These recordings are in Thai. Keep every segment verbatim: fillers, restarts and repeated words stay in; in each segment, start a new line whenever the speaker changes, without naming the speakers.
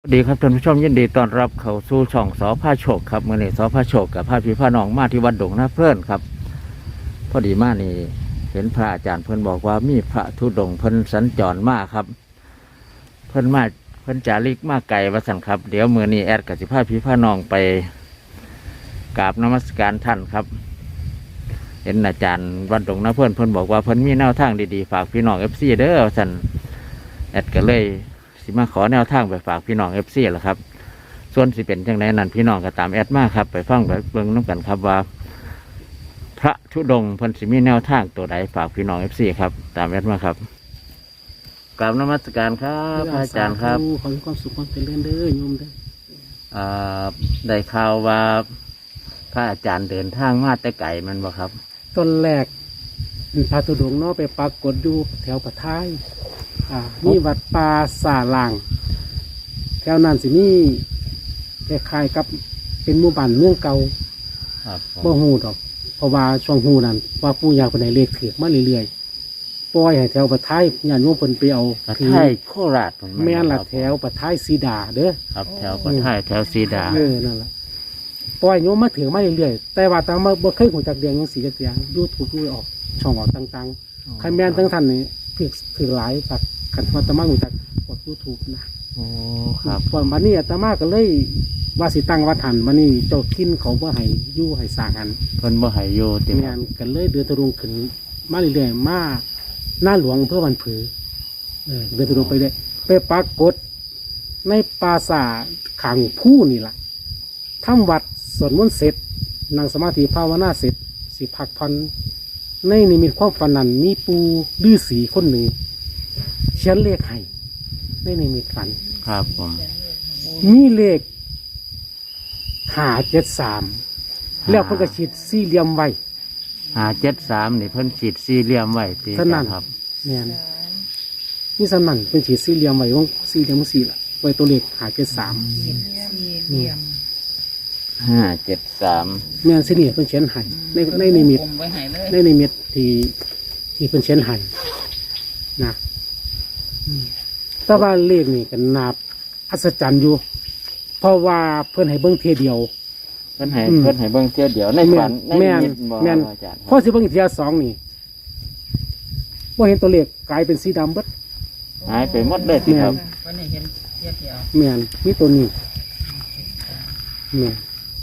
ดีครับท่านผู้ชมยินดีต้อนรับเข้าสู่ช่องสอพาโชคครับเมื่อนี้สอพาโชคกับพาพี่พาน้องมาที่วัดดงนาเพลินครับพอดีมานี่เห็นพระอาจารย์เพิ่นบอกว่ามีพระธุดงค์เพิ่นสัญจรมาครับ เพิ่นมาเพิ่นจาริกมาไกลว่าสั่นครับเดี๋ยวมื่อนี้แอดกับสิพาพี่พาน้องไปกราบนมัสการท่านครับ เห็นอาจารย์วัดดงนาเพลินเพิ่นบอกว่าเพิ่นมีแนวทางดีๆฝากพี่น้องเอฟซีเด้อว่าสั่นแอดก็เลยสิมาขอแนวทางไปฝากพี่น้องเอฟซีแหละครับ ส่วนสิเป็นจังไดนั้นพี่น้องก็ตามแอดมาครับไปฟังไปเบิ่งน้ำกันครับว่า พระธุดงค์เพิ่นสิมีแนวทางตัวใดฝากพี่น้องเอฟซีครับตามแอดมาครับกราบนมัสการครับพระอาจารย์ครับ
ขอให้ความสุขความเจริญเด้อโยมเด้อ
อ่าได้ข่าวว่าพระอาจารย์เดินทางมาแต่ไกลแมันบ่ครับ
ต้นแรกพระธุดงค์เนาะไปปรากฏอยู่แถวปะท้ายอ่ามีวัดป่าสาลางแถวนั้นสิมีคล้ายๆกับเป็นหมู่บ้านเมืองเก่า
ครับผม
บ่ฮู้ดอกเพราะว่าช่วงฮู้นั้นว่าปู่ย่าเพิ่นให้เลขถือมาเรื่อยๆปล่อยให้แถวปะท้ายญาติโยมเพิ่นไปเอา
ปะ
ถือ
ไทยโคราชผม
แม่นล่ะ
ครับ
แถวปะท้ายสีดาเด้อ
ครับแถวปะไทยแถวซีดา
เออนั่นล่ะปล่อยโยมมาถือมาเรื่อยๆแต่ว่าตามมาบ่เคยหูจักเรียงจังซี่จักอย่าง YouTube ดูออกช่องออกต่างๆ คันแม่นทั้งท่านนี่ถือถือหลายปักขันอาตมาหูจักกดยูทูบนะ
โอ้ครับ
ก่อนวันนี้อาตมาก็เลยว่าสิตั้งวัดหันวันนี้เจ้าทินเขาว่าให้อยู่ให้สร้างหัน
เพิ่นบ่ให้อยู่ติ
แม่นกันเลยเดือนตะลุงขึ้นมาเรื่อยๆมาหน้าหลวงเพื่อวันผือเออเดือนตะลุงไปเลยไปปรากฏในปราสาทขังผู้นี่ล่ะทำวัดสวดมนต์เสร็จนั่งสมาธิภาวนาเสร็จสิพักพันในนิมิตความฝันนั้นมีปูฤาษีคนหนึ่งเขียนเลขให้ในนิมิตฝัน
ครับผม
มีเลขหาเจ็ดสามแล้วเพิ่นก็ฉีดสี่เหลี่ยมไว้
หาเจ็ดสามนี่เพิ่นฉีดสี่เหลี่ยมไว้ติ
เท่านั้น
ครับ
เนี่ยนี่สำนันเป็นฉีดสี่เหลี่ยมไว้วงสี่เหลี่ยมสี่ละไว้ตัวเลขหาเจ็ดสาม
เหลี่ยม
ห้าเจ็ดสาม
แม่นสิเนี่ยเพิ่นเขียนให้ในในนิมิต
ผมไว้ให้เลย
ในนิมิตที่ที่เพิ่นเขียนให้นะอืมแต่ว่าเลขนี่ก็นาบอัศจรรย์อยู่ เพราะว่าเพิ่นให้เบิ่งเทียเดียว
เพิ่นให้
อืม
เพิ่นให้เบิ่งเที่ยวเดียวในฝันใน
แม่น
นิมิตบ่
แม่น
อาจารย์
พอสิเบิ่งเทียสองนี่ว่าเห็นตัวเลขกลายเป็นสีดำเบิด
หายไปหมดเลยติครับ
วันนี้เห็นเทียบเดียว
แม่นมีตัวนี้แม่น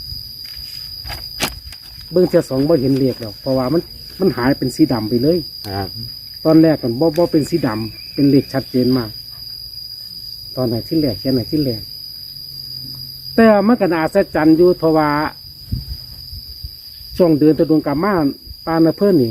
เบิ่งเทียสองบ่เห็นเลขแล้วเพราะว่ามันมันหายเป็นสีดำไปเลย
ครับ
ตอนแรกมันบ่บ่เป็นสีดำเป็นเลขชัดเจนมาก ตอนไหนที่แรกแค่ไหนที่แรกแต่มันก็น่าอัศจรรย์อยู่เพราะว่าช่วงเดือนตะดวงกามาปานเพิ่นนี่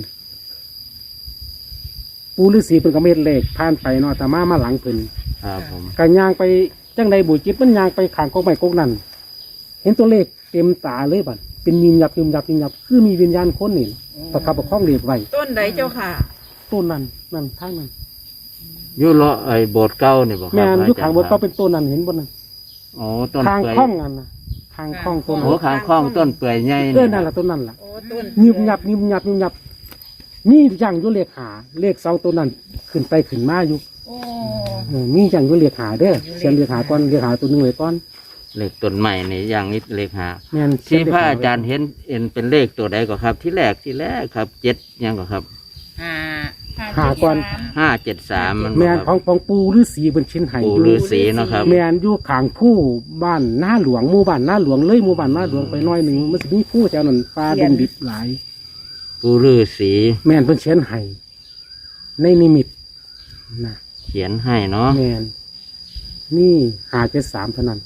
ปูฤาษีเพิ่นก็เม็ดเลขผ่านไปเนาะแต่มามาหลังเพิ่น
ครับผม
กันย่างไปจังใดบุญจิตมันย่างไปขางกองไม้กองนั่นเห็นตัวเลขเต็มตาเลยบัดเป็นยิมยับยิมยับยิมยับคือมีวิญญาณคนนี่ประคับประคองเลขไว้
ต้นใดเจ้าค่ะ
ต้นนั้นนั่นทางนั้น
อยู่เลาะไอ้โบสถ์เก่านี่บ่ครับ
แม่นอยู่
พระ
ขางบน
ค
ก็
รับ
เป็นต้นนั้นเห็นบนนั้น
โอ้ต้น
ทาง
เปื่อย
คล้องอันนะทางคล้องต้น
โอ้
นั้น
ขางคล้องต้นเปื่อยใหญ่
เออนั่นแหละต้นนั้นล่ะ
โอ้ต้น
ยิมยับยิมยับยิมยับมีอย่างอยู่เลขหาเลขสองตัวนั้นขึ้นไปขึ้นมาอยู่
โอ้
เออมีอย่างอยู่เลขหาเด้อเขียนเลขหาก่อนเลขหาตัวหนึงไว้ก่อน
เลขต้นใหม่นี่อย่างนี้เลขหา
แม่น
ที่พระ
เขีนเลขห
อาจารย์เห็นเห็นเป็นเลขตัวใดก็ครับ ที่แรกที่แรกครับเจ็ดยังก็ครับ
ห้า
หาก่อน
ห้าเจ็ดสามมันบ่
แม่น
ครับ
ของของปูฤาษีเป็นชิ้นไห้
ปู่
อยู่
ฤาษีเนาะครับ
แม่นอยู่ข้างผู้บ้านหน้าหลวงหมู่บ้านหน้าหลวงเลยหมู่บ้านหน้าหลวงไปหน้อยหนึ่งมันจะมีผู้แถวนั้นปลาดงดิบหลาย
ปู่ฤาษี
แม่นเพิ่นเขียนให้ในนิมิตนะ
เขียนให้เนาะ
แม่นนี่หาเจ็ดสามเท่านั้น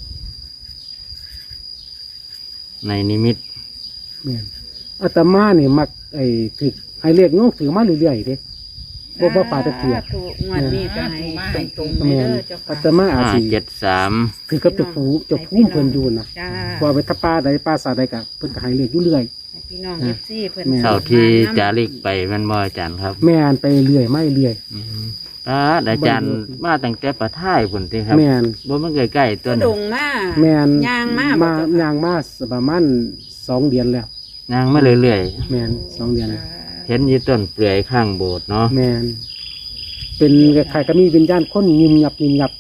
ในนิมิต
แม่นอาตมาเนี่ยมักไอ้ถือให้เรียกโยกถือมาเรื่อยๆเด้บ่บ่ป่าตะเกียบ
ถูกงวดนี้ก็ให้ให้ตรงๆ
แม่
เด้
น
อเจ้า
อา
ค่ะ
ตมาอาจ
ห้า
สิ
เจ็ดสาม
ถือกับเจ้าผู้เจ้าผู้เพิ่นอยู่นะ
จ้า
ว่าไปถ้าป้าใดป้าสาใดก็เพิ่นก็ให้เรียกอยู่เรื่อย
ให้พี่น้องเอฟซีเพิ่น
แม่
เท่าที่จาริกไปแมันบ่อาจารย์ครับ
แม่นไปเรื่อยไม่เรื่อย
อืมอ่าอาจารย์มาตั้งแต่ประท่ายพุ่นติครับ
แม่น
บ่มันใกล้ๆตัว
ด
นี้
งมา
แม่น
ย่างมา
มา
บ่เจ้าค่ะ
ย่างมาประมาณสองเดือนแล้ว
นางมาเรื่อย
แม่นสองเดือนแล้ว
ๆเห็นอยู่ต้นเปลือยข้างโบสถ์เนาะ
แม่นเป็นคล้ายๆก็มีวิญญาณคนยิมยับยิมยับ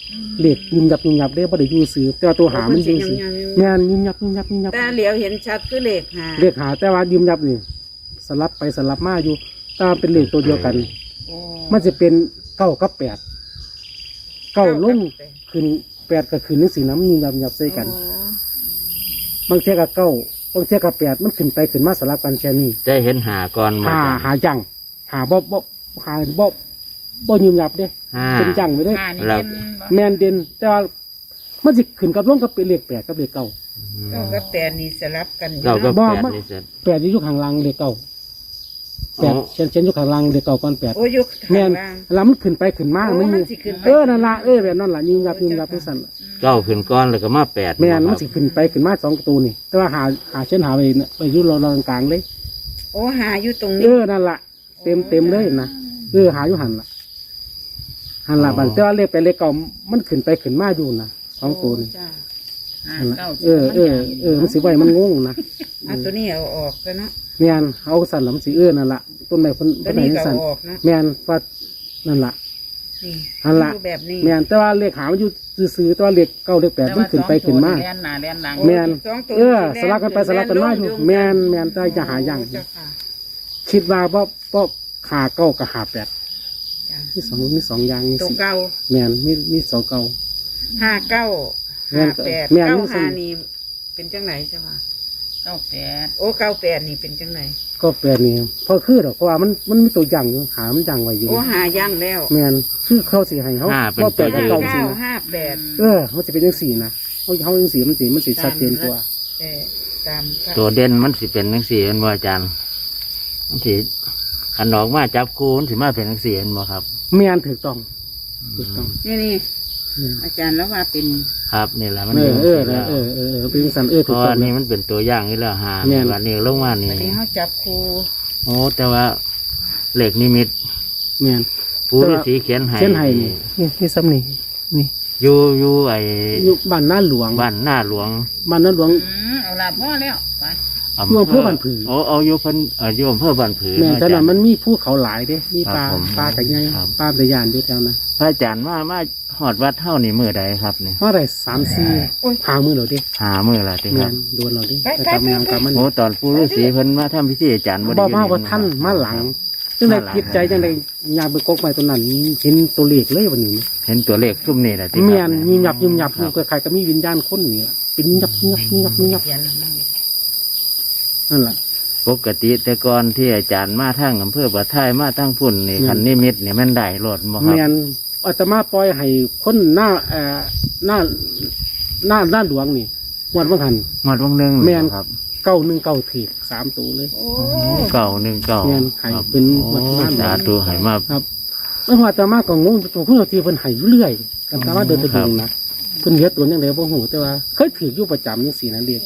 เลขยิมยับยิมยับได้บ่ได้อยู่ซื้อแต่ว่าตัวหามันอยู่ซื้อแม่นยิมยับยิมยับยิมยับ
แต่เหลียวเห็นชัดคือเลขหา
เลขหาแต่ว่ายิมยับนี่สลับไปสลับมาอยู่ตามเป็นเลขตัวเดียวกัน
โอ้
มันจะเป็นเก้ากับแปดเก้าลงขึ้นแปดก็ขึ้นนึกสีน้ำยิมยับยิมยับใส่กัน
โอ้
บางเทียกับเก้าบางเทียกับแปดมันขึ้นไปขึ้นมาสลับกันแค่นี้
ได้เห็นหาก่อนมา
หา
จ้ะ
หาจังหาบ่บ่หาบ่บ่ยิมยับเด้
ห้า
เป็นจังไปเด้
หานี่
แล้ว
เป็นบ่
แมนเด่นแต่ว่ามันสิขึ้นกับลงกับเป็นเลขแปดกับเลขเก้า
เก้ากับแปดนี่สลับกันอยู่
เก้ากับ
บ่
แปด
มัน
นี่เสร็จ
แปดอยู่ข้างล่างเลขเก้าแปด
อ๋อ
เช่นเช่นอยู่ข้างล่างเลขเก้าก่อนแปด
โอ้ยก
แม
ข้าง
น
ล่าง
แล้วมันขึ้นไปขึ้นมา
โอ้
มัน
มั
มี
นสิขึ้นไป
เออนั่นละเออแบบนั้นล่ะยิงยับยิงยับที่สั่นล่ะ
เก้าขึ้นก้อนแล้วก็มาแปด
แมน
ค
มั
รั
น
บ
สิขึ้นไปขึ้นมาสองประตูนี่ แต่ว่าหาหาเช่นหาไปเนี่ยไปอยุ่รอรอกลางๆเลย
โอ้หาอยู่ตรง
เอ
นี้
อนั่นละเต็มเต็มเลยนะเออหาอยู่หันละหันละบันแต่ว่าเลขไปเลขเก่ามันขึ้นไปขึ้นมาอยู่นะสองตัวนี่
จ้ะ
นั่นล่ะเออเออเออมันสิไว้มันงงนะ
อ่ะตัวนี้เอาออกก็เนาะ
แมนเอาสั่นละมันสิเออนั่นละต้นไม้คน
ตั
ต้
วน
ไม้
นี้ก็
สั่น
เอาออกนะ
แมนว่านั่นละ
นี่
อันละ
อยู่แบบนี้
แมนแต่ว่าเลขหามันอยู่ซื่อๆแต่ว่าเลขเก้าเลขแปดมันขึ้นไปขึ้นมา
แล่นหน้าแล่นหลัง
แมน
สองตัว
เออสลับกันไปสลับกันมาอยู่แมนแมนแต่จะหาอย่าง
โเจ้ค่ะ
คิดว่าเพราะเพราะขาเก้ากับหาแปด
จ้ะ
มีสองมีสองอย่างมี
ตัว
สิ
เก่า
แมนมีมีสองเก้า
ห้าเก้า
แม่
ห้าน แปด
แม่น
เก้า
มันสิ
ห้านี่เป็นจังไหนเจ้าค่ะ
เก้าแปด
โอ้เก้าแปดนี่เป็นจังไหน
ก็แปดนี่เพราะคือดอกเพราะว่ามันมันมีตัวอย่างอยู่หามันอย่างไว้อยู่
โอ้หาย่างแล้ว
แมนคือเขาสิให้เขา
ห้าเป็น
ว่าแปดกับ
ห้า
เก้าสิ
เก้า
นะ
ห้าแปด
เออมันจะเป็นยังสี่นะเขาเขายังสี่มันสีมันสีชัดเจนกว่า
แต่ตามพระ
ตัวเด่นมันสิเป็นทั้งสี่เป็นว่าอาจารย์มันสิขันออกมาจับคูมันสิมาเป็นทั้งสี่เป็นบ่ครับ
แมนถูกต้องถูกต้อง
นี่นี่
อืม
อาจารย์แล้วว่าเป็น
ครับนี่แหละมัน
เอ
เป็น
อ
จัง
เออ
สี่
เอ
แล้ว
อเออเออเป็นสันเออ
เพ
ถูก
ราะ
ต้อ
ว่าง นี่
นะ
มันเป็นตัวอย่างนี่แล้วหา
แม่น
วันนี้ลงมานี่
อันนี้เขาจับครู
โอ้แต่ว่าเหล็กนิมิต
แมน
ผู้ฤาษีเขียนให้
เช่นไห้นี่นี่นี่ซ้ำนี่นี่
อยู่อยู่ไอ้
อยู่บ้านหน้าหลวง
บ้านหน้าหลวง
บ้านหน้าหลวง
อืมเอาละพ่อแล้วไป
อยู่อำเภอบ้านผือ
โอ้เอาอยู่เพิ่นเอ่ออยู่อำเภอบ้านผือ
แม่น
เาะ
แต่
อาจา
นั้
ร
น
ย์
มันมีภูเขาหลายเด้ มีปลา
ครับผม
ปลาแต่ไง
ครับ
ปลาแต่ยานอยู่แถวนั้น
พระอาจารย์มามาหอดวัดเท่านี่มือใดครับนี่
เพราะอะไรสามสี่หามือเราดิ
หามือละติค
แม่
รับ
นโดนเราดิแต่กำลังกำมัน
โอ้ตอนปู่ฤาษีเพิ่นมาทำพิธีอาจารย์บ่
บ
ได้
อก
อยู่
มา
นี่
ว่าท่านมาหลัง
ครับ
จังได
มาหลัง
คิดใจจังไดยางไปกกไปตัวนั้นเห็นตัวเลขเลยวันนี้
เห็นตัวเลขซุ่มนี่แหละติครับ
แม่นยิมยับยิมยับ
ครับ
ใครๆก็มีวิญญาณคนนี่ล่ะเป็นยับยับยับยับ
เขียนแล้วนั่น
นั่นแหละ
ปกติแต่ก่อนที่อาจารย์มาทางอำเภอบ่ท้ายมาทางพุ่นนี่
แม่น
คันนิมิตนี่มันได้โลดบ่ค
แม
รับ
นอาตมาปล่อยให้คนหน้าเอ่อหน้าหน้าหน้าหลวงนี่งวดว่างหัน
หมดวงหนึง
แม่น
ครับ
เก้าหนึ่งเก้าถีกสามตัวเลย
โอ้
เก่าหนึ่งเก่า
แม่นให้เป็น
โอ้
วัดบ้าน
สาธุให้มา
ครับเมื่อวานอาตมาก็งงตัวคุณทีเพิ่นให้อยู่เรื่อยกันตามว่าเดินตะ
ครั
ดุ
บ
งนะเพิ่นเฮ็ดตัวยังไงบ่ฮู้แต่ว่าเคยถืออยู่ประจำจังซี่นะเรียก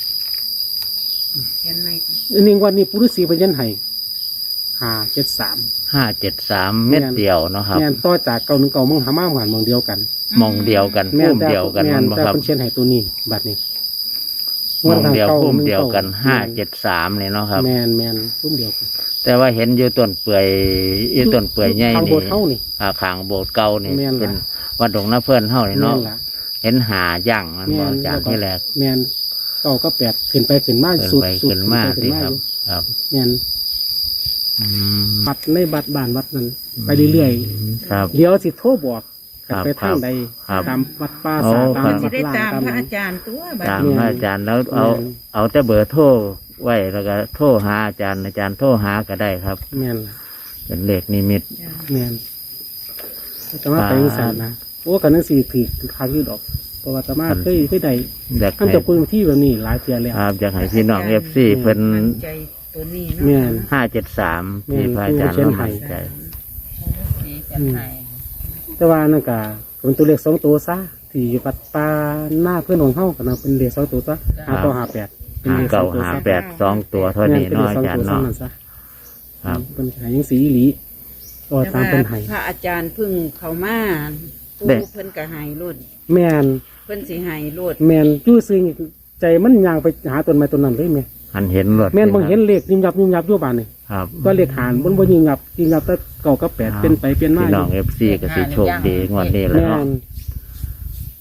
เขียนไม่
อันนี้วันนี้ปุรุษีเพิ่นยันให้ห้าเจ็ดสาม
ห้าเจ็ดสามเม็ดเดียวเนาะครับ
แม่นต่อจากเก้าหนึ่งเก้ามึงหามาหวานมองเดียวกัน
มองเดียวกัน
แม่
พุ่
น
ม
แต่
เดียวกัน
แม่
มัน นบ่
แต่
ครับ
เพิ่นเขียนให้ตัวนี้บัดนี้
มองเดียว
ก้า
พุ่ม
หง
เดียวกัน
ก้
ห้าเจ็ดสามเนี่ยเนาะครับ
แม่นแม่นพุ่มเดียวกัน
แต่ว่าเห็นอยู่ต้นเปื่อยอยู่ต้นเปื่อยใหญ่
ทาง
นี่
โบสถ์เฮานี่
อ่าขางโบสถ์เก่านี่
แม่นล่ะ
เป็นวัดดงน้าเพื่อนเฮานี่
แม่
เนาะ
นล่ะ
เห็นหาย่างมันบ
แม่
อก
น
อาจารย์ที่แรก
แม่นเก้าก็แปดขึ้นไปขึ้นมา
เกิน
สุด
ไป
สุด
ขึ้นมาก
ขึ้
สิ
นมา
ค
อ
รับ
ยู่
ครับ
แม่น
อืม
บัดในบัดบ้านวัดนั้นไปเรื่อย
ครับ
ๆเดี๋ยวสิโทรบอก
ครับ
ไปทางใด
ครับ
ตามวัดป่า
โอ้
สาตาม
ครั
วั
บ
ด
สิได้
ล่าง
ตาม
ตาม
พระอาจารย์ตัวบัด
ตาม
นี้
พระอาจารย์แล้วเอา
แม่น
เอาแต่เบอร์โทรไว้แล้วก็โทรหาอาจารย์อาจารย์โทรหาก็ได้ครับ
แม่นล่ะ
เป็นเลขนิมิต
จ้ะ
แม่นแต่ว่าไปอีสานนะโอ้กันนั่นสี่ถีกคางยืดออกเพราะว่าแต่มาเคยเคยได้
อยาก
ท่าน
ให้
จะคุยที่แบบนี้หลายเทียแล้ว
ครับอยากให้พี่น้องเอฟซีเพิ่น
มั่นใจตัวนี้เนาะ
แม่น
ห้าเจ็ดสามที่พระอาจารย์
แม่น
เรามั่นใจ
สีกันไทย
แต่ว่านั่นก็เป็นตัวเลขสองตัวซะที่อยู่ปัดปลาหน้าเพื่อนของเฮากันนะเป็นเลขสองตัวซะหาต่อหาแปดเป็น
หา
เลขสอ
เก่าง
ตัว
หา
ซะ
แปดสองตัวเท่านี้
เป็น
เนาะ
เลข
อา
สอง
จาร
ตัว
ย์
ซะ
เนาะ
นั่นซะ
ครับ
เป็นขายยังสีอีหลีก็ตามเป็นไห้
พระอาจารย์เพึ่งเขามาปู
เด้
เพิ่นก็ใหายรุ่น
แมน
เพิ่นสิใหายรุ่น
แมนจู่ซึ่งใจมันยางไปหาต้นไม้ต้นนั้นเลยแม่
หันเห็นรถ
แมนบางเห็นเลขยิมยับยิมยับอยู่บ้านนี่
ครับ
ก็เลขหานบนบนยิมยับยิมยับแต่เก่ากับแปดเป็นไปเป็นมา
พี่
อ
น้อง
ยู่
เอฟซีก็สิโชคดีงวดนี้แห
แม
ล้วเนาะ
น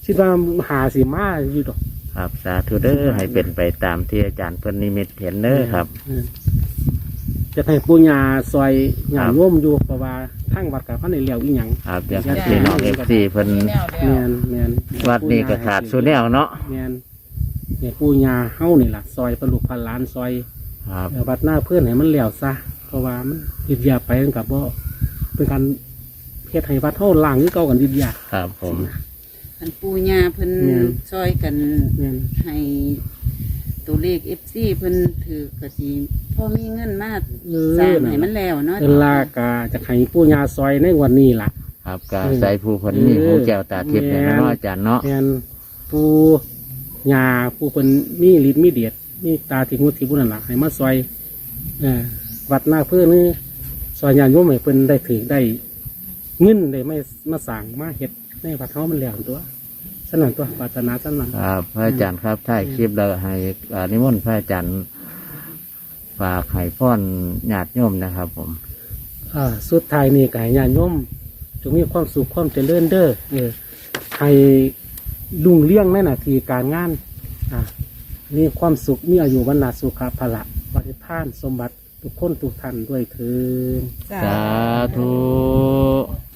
คิดว่าหาสิมาอยู่ดอก
ครับสาธุเด้อให้เป็นไปตามที่อาจารย์เพิ่นนิมิตเห็นเด้อครับ
เออจะให้ปู่ย่าซอยญา
ครั
ติ
บ
โยมอยู่เพราะว่าทางวัดก็พันได้แล้วอีหยัง
ครับอยากให้พี่น้องเอฟซีเพิ่น
มีแนวเดียว
แม่นแม่น
วัดนี้ก็ขาดสุแนวเนาะ
แม่นเนี่ยปู่ย่าเฮานี่ล่ะซอยประลูกพันล้านซอย
ครับ
เอ่อวัดหน้าเพื่อนให้มันแล้วซะเพราะว่ามันยึดยาไปมันกับบ่เป็นการเฮ็ดให้วัดเฮาล่างคือเก่ากันยึดยา
ครับผม
อันปูญาเพิ่น
แม่น
ซอยกัน
แม่น
ให้ตัวเลขเอฟซีเพิ่นถือกระสีพ่อมีเงินมา
เอ
สร้าง
อ
ให้มันแล้วเนาะ
เวลากาจะให้ปู่ย่าซอยในวันนี้ล่ะ
ครับก็ใส่ผู้เพิ่นมีหูแก้วตาทิพย์เนี่ยเนาะอาจารย์เนาะ
แม่นปู่ย่าผู้เพิ่นมีฤทธิ์มีเดชมีตาที่หูที่บุญนั่นล่ะให้มาซอยเอ่อวัดหน้าเพื่อนนี่ซอยญาติโยมให้เพิ่นได้ถือได้เงินได้ไม่มาสร้างมาเฮ็ดในวัดเฮามันแล้วตัวฉะนั้นตัวปรารถนาฉะนั้น
ครับพระอาจารย์ครับถ่ายคลิปแล้วให้อ่านิมนต์พระอาจารย์ฝากให้พรญาติโยมนะครับ ผม
อ่าสุดท้ายนี่ก็ให้ญาติโยมจงมีความสุขความเจริญเด้อเออให้รุ่งเรื่องในหน้าที่การงานอ่ามีความสุขมีอายุวันนาสุขภาละปฏิภาณสมบัติทุกคนทุกท่านด้วยเถิด
สาธุ